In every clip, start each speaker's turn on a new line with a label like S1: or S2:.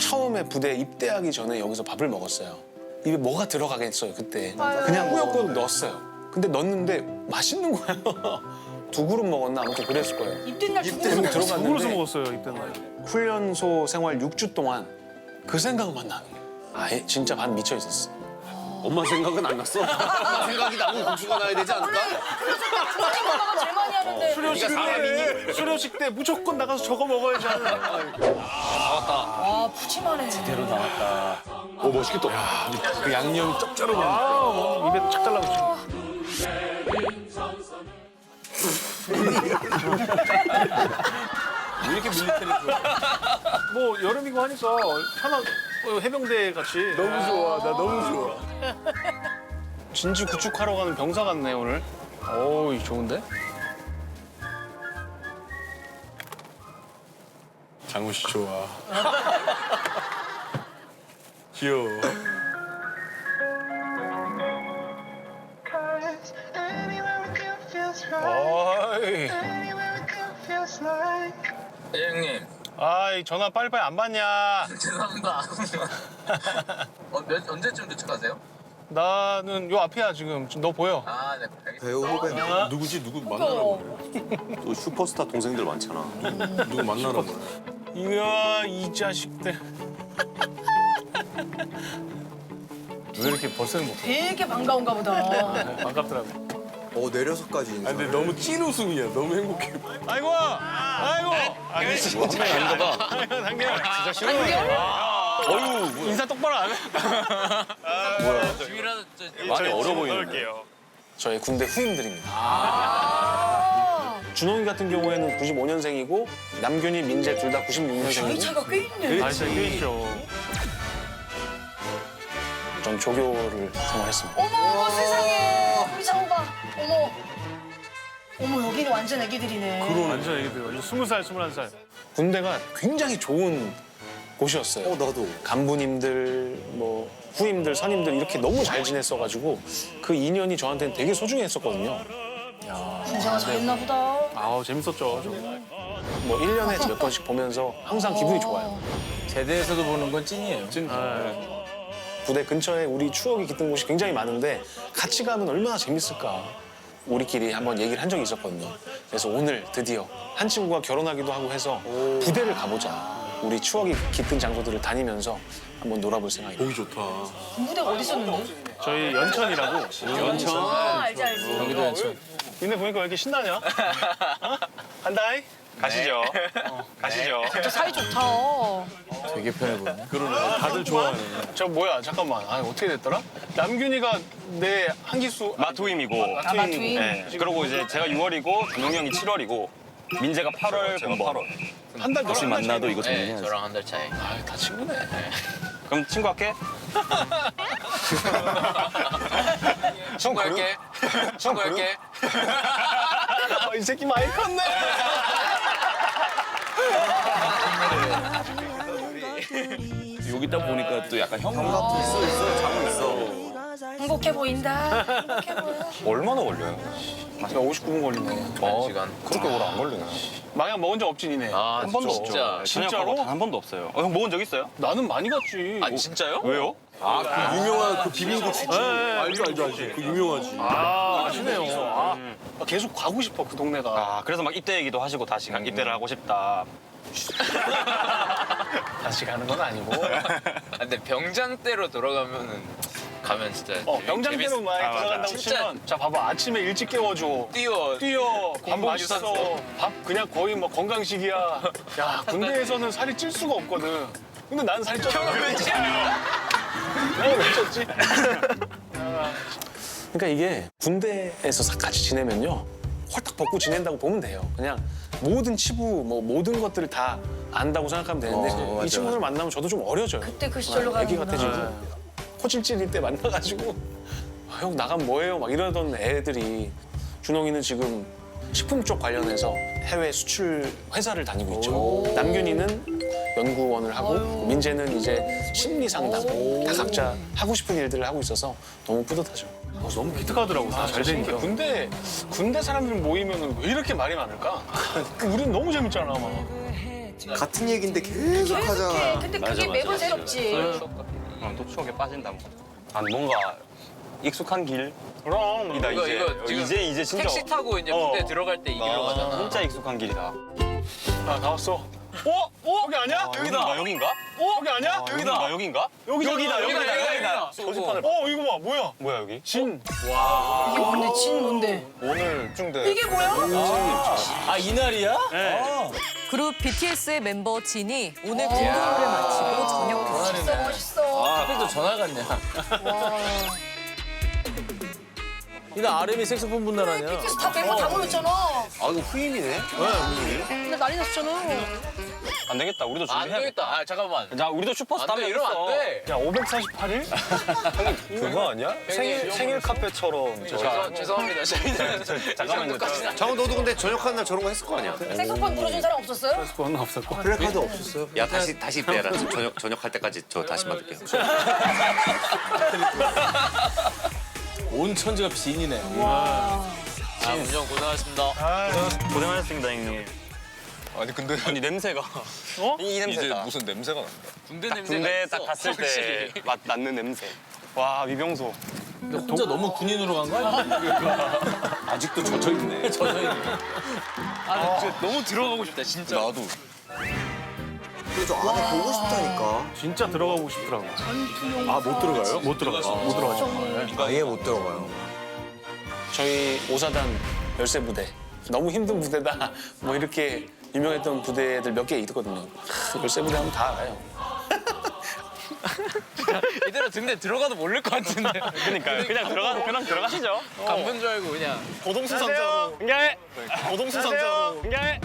S1: 처음에 부대 입대하기 전에 여기서 밥을 먹었어요. 입에 뭐가 들어가겠어요 그때. 그냥 꾸역꾸역 넣었어요. 근데 넣었는데 맛있는 거예요. 두 그릇 먹었나 아무튼 그랬을 거예요.
S2: 입된 날
S1: 그리고
S2: 죽는
S3: 누구로서
S1: 들어갔는데
S3: 먹었어요 이때 날.
S1: 훈련소 생활 6주 동안 그 생각만 나는 거예요. 아예 진짜 반 미쳐 있었어.
S4: 엄마 생각은 안 났어? 엄마 생각이 나고 국수가 나야 되지 않을까?
S2: 부모님 엄마가 제일 많이 하는데.
S3: 수료식 때 수료식 때 무조건 나가서 저거 먹어야지 하는.
S2: 와 푸짐하네.
S5: 제대로 나왔다.
S4: 오 멋있겠다.
S1: 그 양념이 짭짤하고
S3: 아 입에 착 달라붙어.
S5: 왜 이렇게 밀리터리 좋아?
S3: 뭐 여름이고 하니까 편한 해병대 같이.
S4: 너무 좋아. 나 너무 좋아.
S3: 진지 구축하러 가는 병사 같네 오늘. 어우 좋은데?
S5: 장우 씨 좋아. 귀여워.
S3: 어이.
S6: 형님
S3: 아이 전화 빨리빨리 안 받냐?
S6: 죄송합니다. 언제쯤 도착하세요?
S3: 나는 요 앞이야 지금. 너 보여?
S6: 아, 네, 알겠습니다.
S4: 배우 후배.
S5: 누구지? 누구 만나러 그래?
S4: 또 슈퍼스타 동생들 많잖아.
S5: 누구 만나러 그래?
S3: 이야 이 자식들.
S5: 왜 이렇게 벌써 행복해?
S2: 되게 반가운가 보다.
S3: 반갑더라고.
S4: 내려서까지 인사.
S5: 아, 근데 너무 찐 웃음이야. 너무 행복해.
S3: 아이고 아이고. 아니 진짜
S5: 아닌가 봐.
S3: 당겨. 진짜 싫어. 어유 인사 똑바로 안 해.
S6: 집이라도
S5: 많이 어려 보이는데.
S3: 넣을게요.
S1: 저의 군대 후임들입니다. 준홍이 같은 경우에는 95년생이고 남균이, 민재 둘 다
S2: 나이
S1: 96년생이고
S2: 차가 꽤 있네.
S3: 아 진짜 꽤 있죠.
S1: 전 조교를 생활했습니다.
S2: 어머 세상에. 우리 장호가. 어머. 어머 여기는 완전 애기들이네.
S3: 완전 애기들. 완전 20살, 21살.
S1: 군대가 굉장히 좋은 곳이었어요.
S4: 나도.
S1: 간부님들, 뭐 후임들, 선임들 이렇게 너무 잘 지냈어가지고 그 인연이 저한테는 되게 소중했었거든요.
S2: 군생활 잘했나 보다.
S3: 아우 재밌었죠. 저.
S1: 뭐 1년에 몇 번씩 보면서 항상 기분이 좋아요.
S5: 제대에서도 보는 건 찐이에요. 찐.
S1: 부대 근처에 우리 추억이 깃든 곳이 굉장히 많은데 같이 가면 얼마나 재밌을까. 우리끼리 한번 얘기를 한 적이 있었거든요. 그래서 오늘 드디어 한 친구가 결혼하기도 하고 해서 부대를 가보자. 우리 추억이 깃든 장소들을 다니면서 한번 놀아볼 생각입니다.
S5: 보기 좋다.
S2: 군부대가 어디 있었는데?
S3: 저희 연천이라고.
S5: 연천.
S2: 아 알지 알지.
S5: 여기도 연천.
S3: 니네 보니까 왜 이렇게 신나냐? 어? 간다이? 가시죠. 가시죠.
S2: 진짜 사이 좋다.
S5: 되게 편해 보이네. 그러네. 다들 좋아하네.
S3: 저 뭐야 잠깐만. 아 어떻게 됐더라? 남균이가 내 한기수
S7: 마투임이고
S2: 아 마투임.
S7: 네. 그리고 이제 제가 6월이고 준홍이 형이 7월이고 민재가 8월 본번
S3: 한달
S7: 다시 만나도 이거
S6: 네,
S7: 정리해야지.
S6: 저랑 한 달 차이.
S3: 아다 친구네.
S7: 그럼 친구 할게.
S6: 친구할게. 친구할게.
S3: 아, 이 새끼 많이 컸네.
S5: 여기 딱 보니까 또 약간 형
S2: 행복해 보인다. 행복해 보여.
S7: 얼마나 걸려요?
S1: 59분 걸리네.
S6: 시간.
S7: 그렇게 오래 안 걸리네.
S3: 망약 먹은 적 없지 니네.
S6: 아,
S7: 한 번도
S6: 진짜.
S7: 없죠.
S3: 진짜로?
S7: 한 번도 없어요. 형 먹은 적 있어요?
S3: 나는 많이 갔지.
S6: 아, 진짜요?
S7: 왜요?
S4: 그 유명한 그 비빔국수. 알죠. 그 유명하지.
S3: 아 아시네요. 아, 계속 가고 싶어 그 동네가.
S7: 아 그래서 막 입대 얘기도 하시고 다시 입대를 하고 싶다.
S3: 다시 가는 건 아니고.
S6: 아, 근데 병장 때로 돌아가면은 가면 진짜
S3: 병장대로 만약에
S7: 아, 맞아.
S3: 돌아간다고
S6: 진짜.
S3: 치면 자 봐봐 아침에 일찍 깨워줘. 뛰어 밥
S6: 공복
S3: 맛있어.
S6: 유산소.
S3: 밥 그냥 거의 뭐 건강식이야. 야 군대에서는 살이 찔 수가 없거든. 근데 난 살이 쪘어. 형은 왜 찌? 형은 왜 쪘지?
S1: 그러니까 이게 군대에서 같이 지내면요. 홀딱 벗고 지낸다고 보면 돼요. 그냥 모든 치부, 뭐 모든 것들을 다 안다고 생각하면 되는데
S4: 맞아,
S1: 이 친구들 만나면 저도 좀 어려져요.
S2: 그때 그 시절로
S1: 애기
S2: 가는구나.
S1: 같아지고 코찔찔일 때 만나가지고 아, 형 나가면 뭐해요? 막 이러던 애들이 준홍이는 지금 식품 쪽 관련해서 해외 수출 회사를 다니고 있죠. 남균이는 연구원을 하고 민재는 이제 심리 상담 다 각자 하고 싶은 일들을 하고 있어서 너무 뿌듯하죠.
S3: 너무 기특하더라고. 잘 되니까. 군대 사람들 모이면 왜 이렇게 말이 많을까? 우린 너무 재밌잖아 막.
S4: 같은 얘기인데 계속
S2: 계속해.
S4: 하잖아.
S2: 근데 그게 매번 새롭지.
S7: 또 추억에 빠진다고. 아 뭔가 익숙한 길이다
S3: 그럼.
S7: 이제.
S6: 이거 지금
S7: 이제 진짜
S6: 택시 타고 이제 군대 들어갈 때 이 길로 가잖아.
S7: 진짜 익숙한 길이다.
S3: 아, 다 왔어. 여기 아니야?
S7: 여기다. 여긴가?
S3: 여기 아니야?
S7: 여기다. 여긴가? 여기다.
S6: 여기다.
S3: 표지판을. 이거 봐. 뭐야?
S7: 뭐야 여기?
S3: 진.
S2: 이게 뭔데? 진 뭔데?
S3: 오늘 중대.
S2: 이게 뭐야?
S8: 아 이날이야?
S9: 그룹 BTS의 멤버 진이 오늘 공부를 마치고 전역했습니다.
S2: 멋있어 멋있어.
S8: 아 하필 또 전화 갔냐? 이날 RM이 색소폰 분날 아니야?
S2: BTS 다 멤버 다 모였잖아.
S4: 아 이거 후임이네.
S2: 근데 난리 났었잖아.
S7: 안 되겠다. 우리도
S6: 안
S7: 준비해야겠다.
S6: 되겠다. 아 잠깐만.
S7: 자 우리도 슈퍼스타
S6: 안 돼. 이러면 안 돼.
S3: 야, 548일? 그거 아니야? 생일 카페처럼.
S6: 죄송합니다. 저희는
S7: 잠깐만요.
S4: 장훈 너도 근데 전역하는 날 저런 거 했을 거 아니야?
S2: 색소폰 불어준 사람 없었어요?
S3: 그건 없었고.
S4: 플래카드 없었어요?
S10: 야 다시 빼라. 전역할 때까지 저 다시 받을게요.
S8: 온 천지가 빈이네.
S6: 아, 운전 고생하셨습니다.
S7: 고생하셨습니다 형님.
S3: 아니, 근데.
S7: 아니 냄새가. 이 냄새다.
S3: 무슨 냄새가 난다.
S6: 군대 냄새가
S7: 군대
S6: 있어.
S7: 딱 갔을 때
S6: 확실히.
S7: 낳는 냄새. 와 위병소.
S8: 근데 혼자 너무 군인으로 간 거 아니야?
S10: 아직도 젖어 있네.
S8: 젖어있네.
S6: 아, 진짜 너무 들어가고 싶다 진짜.
S10: 나도.
S4: 근데 저 안에 보고 싶다니까.
S3: 진짜 들어가고 싶더라고.
S1: 아, 못 들어가요?
S3: 못 들어가죠. 못 들어가죠.
S4: 아예 못 들어가요.
S1: 저희 5사단 열세 부대. 너무 힘든 부대다. 뭐 이렇게 유명했던 부대들 몇 개 있거든요. 열세 부대 하면 다 알아요.
S6: 이대로 등대 들어가도 모를 것 같은데.
S7: 그러니까요. 그냥 들어가시죠.
S6: 간분 줄 알고 그냥.
S3: 고동수상자로.
S7: 응가해.
S3: 고동수상자로.
S7: 응가해.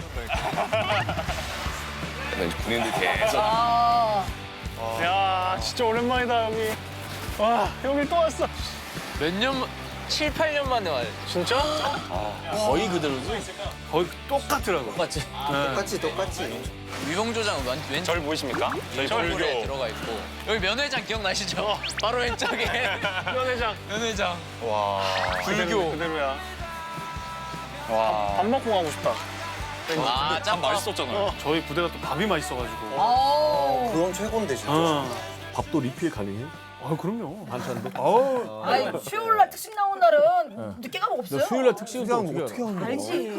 S10: 군인들 계속.
S2: 아.
S3: 야, 진짜 오랜만이다, 여기. 와, 여기 또 왔어.
S6: 몇 년, 7, 8년 만에 와요.
S3: 진짜?
S8: 거의 그대로지?
S3: 거의 똑같더라고.
S8: 똑같지?
S4: 똑같이.
S6: 위봉조장 왼쪽
S7: 절 보이십니까? 저희
S6: 얼굴에 들어가 있고. 여기 면회장 기억나시죠? 바로 왼쪽에.
S3: 면회장.
S6: 면회장.
S7: 와.
S3: 불교. 그대로야.
S7: 와.
S3: 밥 먹고 가고 싶다.
S6: 아, 짬
S7: 맛있었잖아요.
S3: 저희 부대가 또 밥이 맛있어가지고.
S2: 아.
S4: 그건 최고인데 진짜.
S3: 밥도 리필 가능해요? 아, 그럼요. 반찬도.
S2: 아니 수요일 날 특식 나온 날은 늦게 가면 없어요.
S8: 수요일날 특식은 또 어떻게 알아?
S4: 하는 거야?
S2: 알지.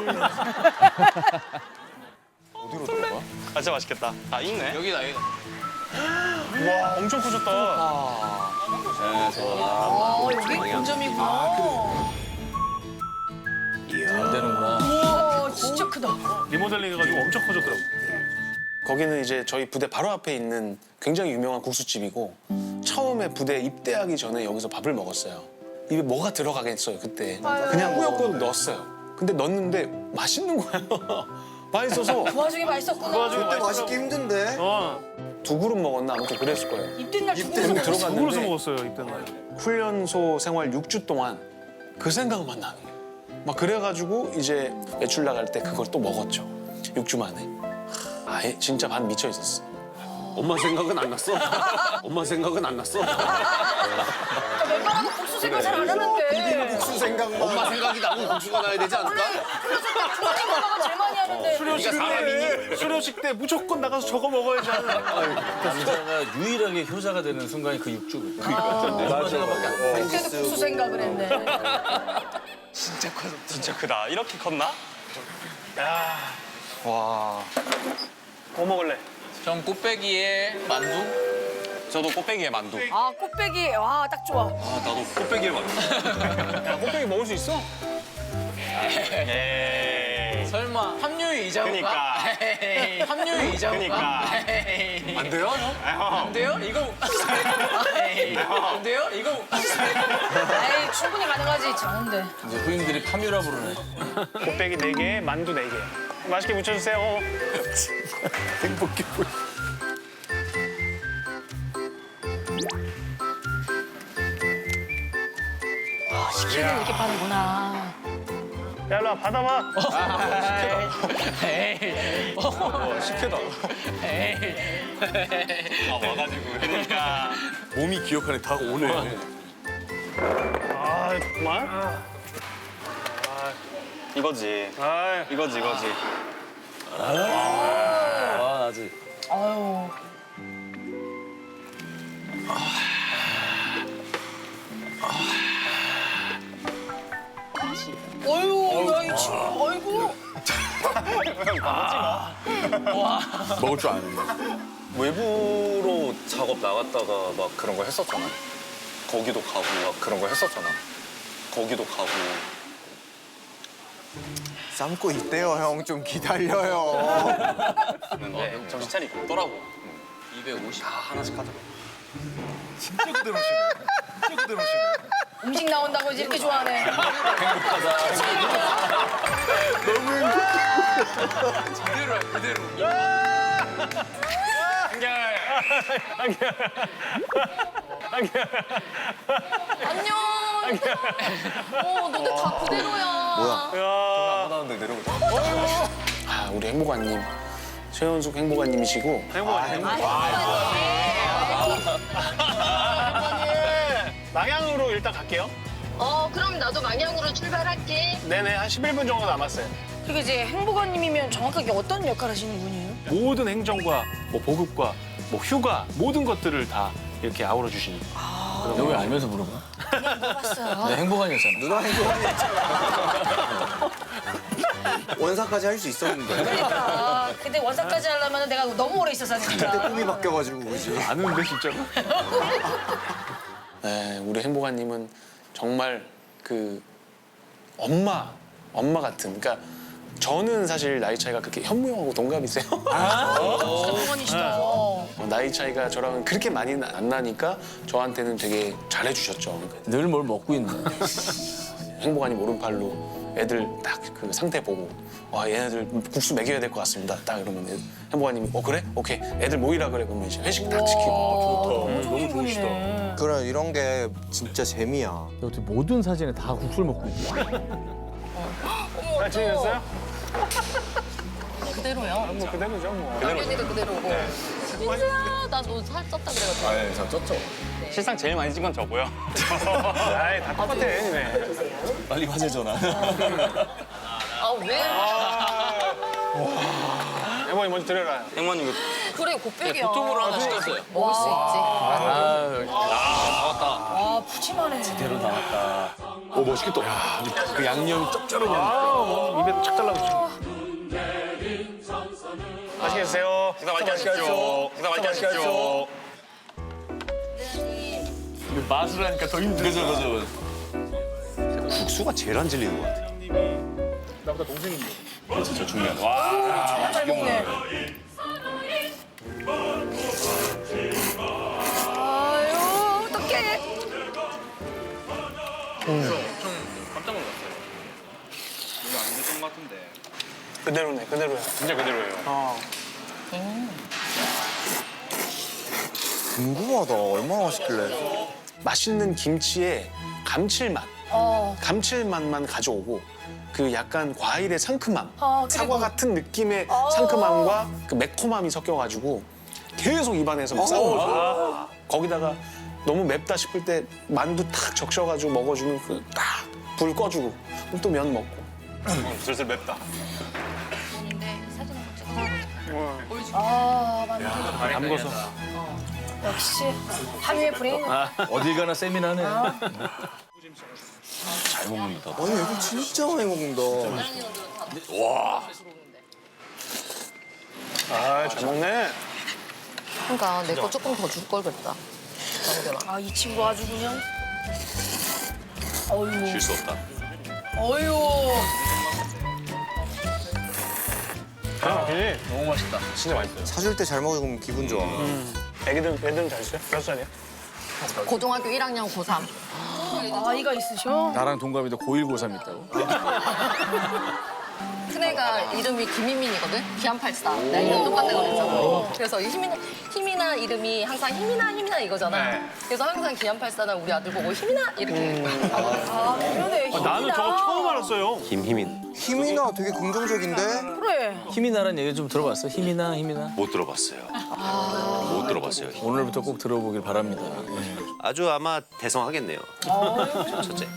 S7: 아 진짜 맛있겠다. 아 있네.
S6: 여기다, 여기다.
S3: 와, 엄청 커졌다.
S2: 아 여기 본점이구나.
S8: 잘 되는구나.
S2: 우와 진짜 크다.
S3: 리모델링 해가지고 엄청 커졌더라고.
S1: 거기는 이제 저희 부대 바로 앞에 있는 굉장히 유명한 국수집이고 처음에 부대 입대하기 전에 여기서 밥을 먹었어요. 입에 뭐가 들어가겠어요 그때. 그냥 꾸역꾸역 넣었어요. 근데 넣었는데 맛있는 거예요. 맛있어서
S2: 그 와중에 맛있었구나.
S4: 그때 맛있기 힘든데.
S1: 두 그릇 먹었나 아무튼 그랬을 거예요.
S2: 입된 날
S1: 들어갔는데
S3: 누구로서 먹었어요, 이때는.
S1: 훈련소 생활 6주 동안 그 생각만 나는 거예요. 막 그래가지고 이제 외출 나갈 때 그걸 또 먹었죠. 6주 만에. 아예 진짜 반 미쳐 있었어.
S10: 엄마 생각은 안 났어? 엄마 생각은 안 났어?
S2: 멤버라고 국수 생각 잘 안 하는데.
S4: 국수 생각만.
S10: 엄마 생각이 나면 국수가 나야 되지 않을까?
S2: 부모님 멤버가 제일 많이 하는데.
S3: 수료식 때 무조건 나가서 저거 먹어야지 하는.
S8: 효자가 유일하게 효자가 되는 순간이 그 6주.
S2: 그때도 국수 생각을 했네.
S6: 진짜 커졌다.
S7: 진짜 크다. 이렇게 컸나?
S3: 야,
S7: 와.
S3: 뭐 먹을래?
S6: 전 꽃배기에 만두.
S7: 저도 꽃배기에 만두.
S2: 아 꽃배기 와 딱 좋아.
S7: 아 나도 꽃배기에 만두.
S3: 야, 꽃배기 먹을 수 있어?
S7: 에이.
S6: 설마 합류의 이자인가?
S7: 그니까.
S6: 합류의 이자인가?
S7: 그니까.
S10: 안 돼요?
S6: 안 돼요? 이거 안 돼요? 이거
S2: 에이 충분히 가능하지 장훈데.
S8: 이제 후임들이 파뮤라 부르네.
S3: 꽃배기 4개, 만두 4개. 맛있게 무쳐주세요.
S4: 행복해 보여.
S2: 시키는 이렇게 파는구나.
S3: 야, 일로 와, 받아봐.
S7: 식혜다. 아 와가지고. 그러니까.
S10: 몸이 기억하네. 다 오네.
S3: 아, 정말?
S7: 이거지.
S3: 아,
S7: 이거지.
S8: 아 아직.
S2: 아유. 어유, 야, 이 친구, 아이고.
S10: 먹을 줄 아는데.
S7: 외부로 작업 나갔다가 막 그런 거 했었잖아. 거기도 가고 막 그런 거 했었잖아. 거기도 가고.
S4: 삶고 있대요, 형. 좀 기다려요.
S7: 근데 정신 차리고 있더라고.
S6: 250.
S7: 다 하나씩 하더라고.
S2: 음식 나온다고 이제 이렇게 좋아하네.
S6: 그대로야, 그대로.
S9: 안녕. 너네 다 그대로야.
S7: 안 나오는데 내려오자.
S1: 아, 우리 행복아님. 최현숙 행복아님이시고.
S3: 망향으로 일단 갈게요.
S2: 그럼 나도 망향으로 출발할게.
S3: 네네, 한 11분 정도 남았어요.
S2: 그리고 이제 행복아님이면 정확하게 어떤 역할 하시는 분이에요?
S3: 모든 행정과 뭐 보급과 뭐 휴가 모든 것들을 다 이렇게 아우러 주시니까.
S8: 너 왜 알면서 물어봐?
S2: 봤어요.
S8: 내 행복한이었잖아.
S4: 누나 행복하니 했잖아. 원사까지 할 수 있었는데.
S2: 그러니까. 근데 원사까지 하려면 내가 너무 오래 있어서
S4: 그때
S2: 하니까.
S4: 꿈이 바뀌어가지고 그지.
S3: 아는데 진짜로?
S1: 네, 우리 행복아님은 정말 그 엄마 같은. 그러니까 저는 사실 나이 차이가 그렇게 현무 형하고 동갑이세요.
S2: 행복한이시다.
S1: 나이 차이가 저랑은 그렇게 많이 안 나니까 저한테는 되게 잘해주셨죠. 그러니까
S8: 늘 뭘 먹고 있네.
S1: 행복아님 오른팔로 애들 딱 그 상태 보고 와 얘네들 국수 먹여야 될 것 같습니다. 딱 이러면 행복아님이 그래? 오케이 애들 모이라 그래. 그러면 이제 회식 딱 시키고.
S2: 너무 좋으시다.
S4: 그래, 이런 게 진짜 재미야.
S8: 어떻게 모든 사진에 다 국수를 먹고 있지?
S3: 잘 지내셨어요?
S9: 그대로야.
S3: 뭐 그대로죠 뭐.
S9: 남편이도 그대로고. 민수야, 나 너 살 쪘다 그래가지고.
S7: 네, 저 쪘죠. 실상 제일 많이 찍은 건 저고요.
S3: 아이 다 똑같아 니네.
S5: 빨리 화제 전화.
S9: 아, 왜?
S3: 행복이 먼저 드려라.
S7: 행만님
S9: 그래, 곱빼기야.
S6: 보통으로 하나 시켰어요.
S9: 먹을 수 있지.
S2: 아, 푸짐하네.
S8: 대로 나왔다.
S10: 오 멋있겠다. 그 양념이 짭짤하고.
S3: 입에 착 달라붙죠. 맛있게 드세요.
S7: 식사 맛있게 하십시오. 식사 맛있게 하십시오.
S3: 맛을 하니까 더 힘들어.
S5: 그죠.
S10: 국수가 제일 안 질리는 것 같아.
S3: 나보다 동생인데.
S5: 진짜 중요하다. 와.
S2: 잘 먹네. 아유, 어떡해.
S7: 깜짝 놀랐어요. 이거 안 됐던 것 같은데.
S3: 그대로네 그대로야.
S7: 진짜 그대로예요.
S4: 궁금하다. 얼마나 맛있길래.
S1: 맛있는 김치에 감칠맛. 감칠맛만 가져오고 그 약간 과일의 상큼함,
S2: 그리고-
S1: 사과 같은 느낌의 상큼함과 그 매콤함이 섞여가지고 계속 입안에서 막 싸워줘. 거기다가 너무 맵다 싶을 때 만두 탁 적셔가지고 먹어주는 그 딱 불 꺼주고 그럼 또 면 먹고.
S7: 슬슬 맵다.
S3: 담궈서.
S2: 역시 한유의 브레인.
S8: 어딜 가나 세미나네.
S5: 잘 먹는다.
S4: 아니, 애들 진짜 많이 먹는다.
S3: 아잘 먹네.
S9: 그러니까 내 거 조금 더 줄 걸 그랬다.
S2: 아, 이 친구 아주 그냥. 어유.
S5: 질 수 없다.
S2: 어유.
S3: 너무 맛있다. 진짜 맛있어요.
S4: 사줄 때 잘 먹으면 기분 좋아.
S3: 애들은 잘 있어요? 몇 살이야?
S9: 고등학교 1학년 고3.
S2: 아이가 있으셔?
S8: 나랑 동갑인데 고1, 고3 있다고?
S9: 큰애가 이름이 김희민이거든? 기안84. 나 이름 똑같다고 그랬잖아. 그래서 희민아 이름이 항상 희민아 이거잖아. 그래서 항상 기안84는 우리 아들 보고 희민아 이렇게.
S2: 아, 그러네.
S3: 나는 저거 처음 알았어요.
S10: 김희민.
S4: 힘이나 되게 긍정적인데?
S2: 그래.
S8: 힘이 나란 얘기 좀 들어봤어? 힘이 나.
S10: 못 들어봤어요. 못 들어봤어요.
S8: 오늘부터 꼭 들어보길 바랍니다.
S10: 아주 아마 대성하겠네요. 첫째.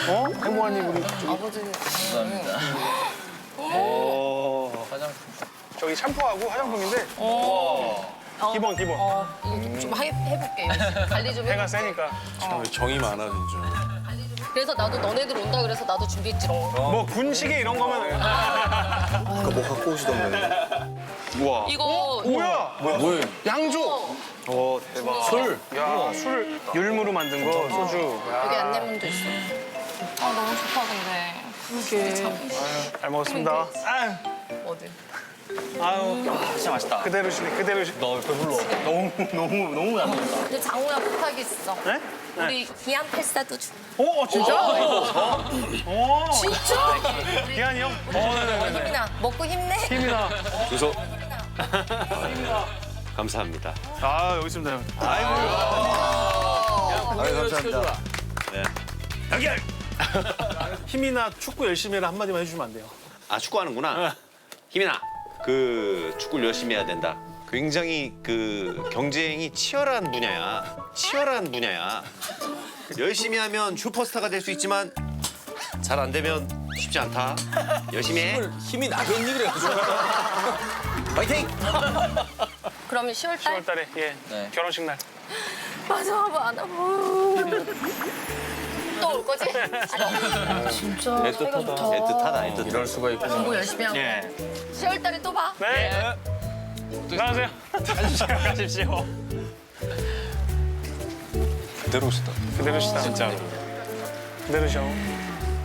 S3: 행복한님 우리
S9: 아버지.
S3: 저기 샴푸하고 화장품인데 기본.
S9: 이거 좀 해볼게. 관리 좀
S3: 해가
S9: 해볼게.
S3: 세니까.
S10: 정이 많아 진짜.
S9: 그래서 나도 너네들 온다 그래서 나도 준비했지롱.
S3: 뭐 군시계 이런 거면
S4: 아까 뭐 갖고 오시던데.
S9: 이거
S3: 뭐야? 양조. 오 대박. 술. 야 술 율무로 만든 거 소주.
S9: 여기 안내문도 있어. 아 너무 좋다 근데. 이게
S3: 잘 먹었습니다. 아유.
S9: 어디?
S3: 아유.
S8: 진짜 맛있다.
S3: 그대로 시네 그대로 시.
S8: 너 배불러. 너무 안 먹는다.
S9: 근데 장우야 부탁이 있어.
S3: 네?
S9: 우리 기안 팔사도 줘.
S3: 진짜?
S9: 진짜?
S3: 기한이 형?
S9: 힘이나 먹고 힘내.
S3: 힘이나.
S10: 주소. 감사합니다.
S3: 아 여기 있습니다 형.
S4: 아유, 감사합니다.
S3: 연결. 힘이나 축구 열심히 해라 한마디만 해주시면 안 돼요?
S10: 아 축구하는구나. 희민아, 그 축구를 열심히 해야 된다. 굉장히 그 경쟁이 치열한 분야야. 열심히 하면 슈퍼스타가 될 수 있지만 잘 안 되면 쉽지 않다. 열심히 해.
S8: 힘이 나겠니 그래가지고.
S10: 파이팅!
S9: 그러면 10월 달
S3: 10월달에 예
S8: 네.
S3: 결혼식 날.
S9: 마지막 안 하고 또 올 거지?
S2: 진짜 사이가 좋다.
S10: 애틋하다.
S8: 이럴 수가 있구나.
S9: 공부 열심히 하고
S3: 예.
S9: 10월 달에 또 봐.
S3: 네. 나가세요. 가십시오.
S7: 그대로시다.
S3: 그대로시다. 진짜로. 그대로셔.